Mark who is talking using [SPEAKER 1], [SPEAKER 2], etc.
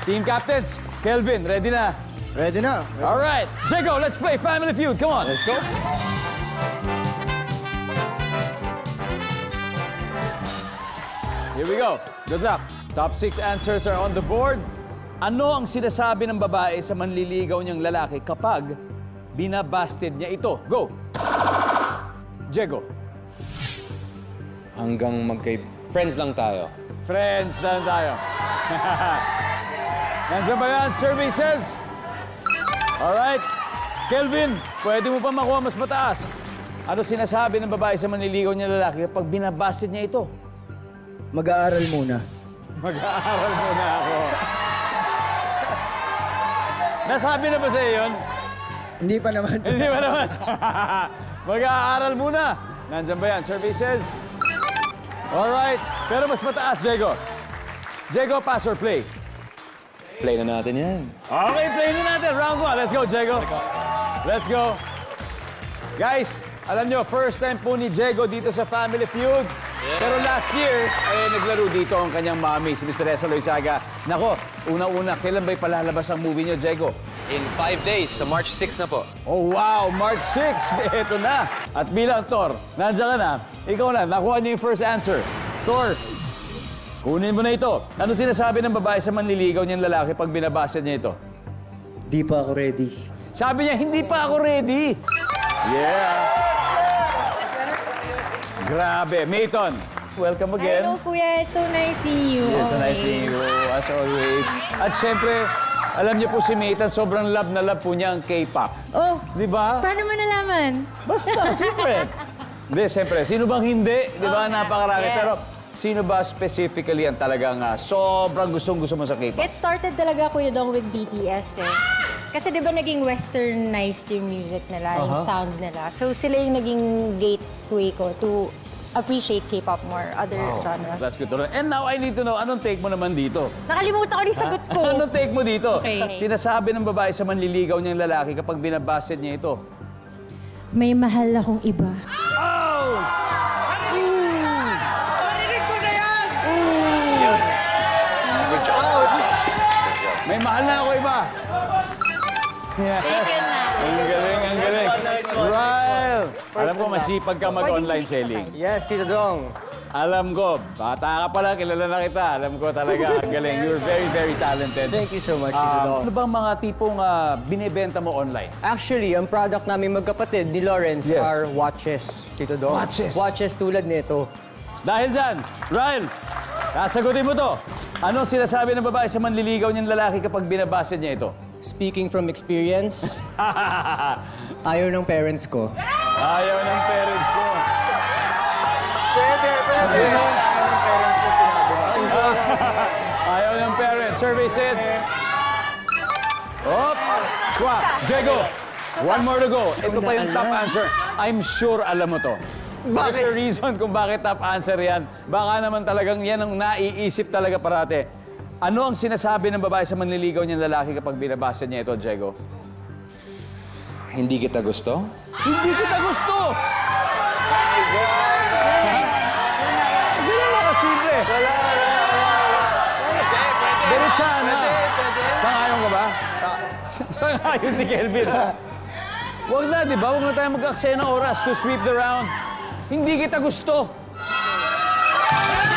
[SPEAKER 1] Team captains, Kelvin, ready na?
[SPEAKER 2] Ready na.
[SPEAKER 1] All right, Jago, let's play Family Feud. Come on.
[SPEAKER 2] Let's go.
[SPEAKER 1] Here we go. Good luck. Top 6 answers are on the board. Ano ang sinasabi ng babae sa manliligaw niyang lalaki kapag binabasted niya ito? Go! Jago.
[SPEAKER 3] Hanggang friends lang tayo.
[SPEAKER 1] Friends na tayo. Nandiyan ba yan? Survey says. Alright. Kelvin, pwede mo pa makuha mas mataas. Ano sinasabi ng babae sa manliligaw niyang lalaki kapag binabasted niya ito?
[SPEAKER 2] Mag-aaral muna.
[SPEAKER 1] Mag-aaral muna ako. Nasabi na ba sa'yo yun?
[SPEAKER 2] Hindi pa naman.
[SPEAKER 1] Hindi ba naman? Mag-aaral muna. Nandiyan ba yan? Survey says. Alright. Pero mas mataas, Jago. Jago, pass or play?
[SPEAKER 3] Play na natin yan.
[SPEAKER 1] Okay, play na natin. Round 1. Let's go, Jago. Let's go. Guys, alam nyo, first time po ni Jago dito sa Family Feud. Pero last year, naglaro dito ang kanyang mami, si Mr. Esa Loizaga. Nako, una-una, kailan ba'y palalabas ang movie niyo, Jago?
[SPEAKER 3] In 5 days, sa March 6 na po.
[SPEAKER 1] Oh, wow! March 6! Ito na! At bilang Thor, nandiyan ka na. Ikaw na, nakuha niyo yung first answer. Thor, kunin mo na ito. Ano sinasabi ng babae sa manliligaw niyang lalaki pag binabasa niya ito?
[SPEAKER 2] Di pa ako ready.
[SPEAKER 1] Sabi niya, hindi pa ako ready. Yeah! Grabe. Mayton, welcome again.
[SPEAKER 4] Hello, Kuya. It's so nice seeing you.
[SPEAKER 1] Yes, so nice seeing you, as always. At syempre, alam niyo po si Mayton, sobrang love na love po niya ang K-pop.
[SPEAKER 4] Oh,
[SPEAKER 1] Di ba?
[SPEAKER 4] paano mo nalaman?
[SPEAKER 1] Basta, siyempre. Hindi, siyempre. Sino bang hindi? Di ba? Napakarami.
[SPEAKER 4] Yes.
[SPEAKER 1] Pero sino ba specifically ang talagang sobrang gustong-gusto mo sa K-pop?
[SPEAKER 4] It started talaga, Kuya Dong, with BTS eh. Kasi di ba naging westernized yung music nila, yung sound nila. So sila yung naging gateway ko to appreciate K-pop more, other genres.
[SPEAKER 1] That's good to know. And now I need to know, anong take mo naman dito?
[SPEAKER 4] Nakalimutan ko yung sagot ko.
[SPEAKER 1] Anong take mo dito?
[SPEAKER 4] Okay.
[SPEAKER 1] Sinasabi ng babae sa manliligaw niyang lalaki kapag binabasted niya ito.
[SPEAKER 4] May mahal akong iba.
[SPEAKER 1] Oh!
[SPEAKER 3] Good job.
[SPEAKER 1] May mahal na ako iba. Yeah. Ang galing, ang galing. Ryle! Alam ko, masipag ka mag-online selling.
[SPEAKER 2] Yes, Tito Dong.
[SPEAKER 1] Alam ko, bata ka pala, kilala na kita. Alam ko talaga, ang galing. You're very, very talented.
[SPEAKER 2] Thank you so much, Tito Dong.
[SPEAKER 1] Ano bang mga tipong binibenta mo online?
[SPEAKER 5] Actually, ang product namin magkapatid ni Lawrence
[SPEAKER 1] Yes.
[SPEAKER 5] are watches, Tito Dong.
[SPEAKER 1] Watches?
[SPEAKER 5] Watches tulad nito.
[SPEAKER 1] Dahil dyan, Ryle, sasagutin mo to. Ano sinasabi ng babae sa manliligaw niyang lalaki kapag binabasted niya ito?
[SPEAKER 5] Speaking from experience, ayaw ng parents ko.
[SPEAKER 1] Ayaw ng parents ko.
[SPEAKER 2] Pwede.
[SPEAKER 1] Ayaw ng parents. Survey said. Op! Swap. Jago, one more to go. Ito pa yung top answer. I'm sure alam mo to. There's a reason kung bakit top answer yan. Baka naman talagang yan ang naiisip talaga parate. Ano ang sinasabi ng babae sa manliligaw niyang lalaki kapag binabasa niya ito, Jago?
[SPEAKER 3] Hindi kita gusto?
[SPEAKER 1] Hindi kita gusto! Hindi lang kasimple. Wala. Diretsahan na. Sangayon ka ba? Sangayon si Kelvin. Huwag na, di ba? Huwag na tayo mag-aksaya ng oras to sweep the round. Hindi kita gusto.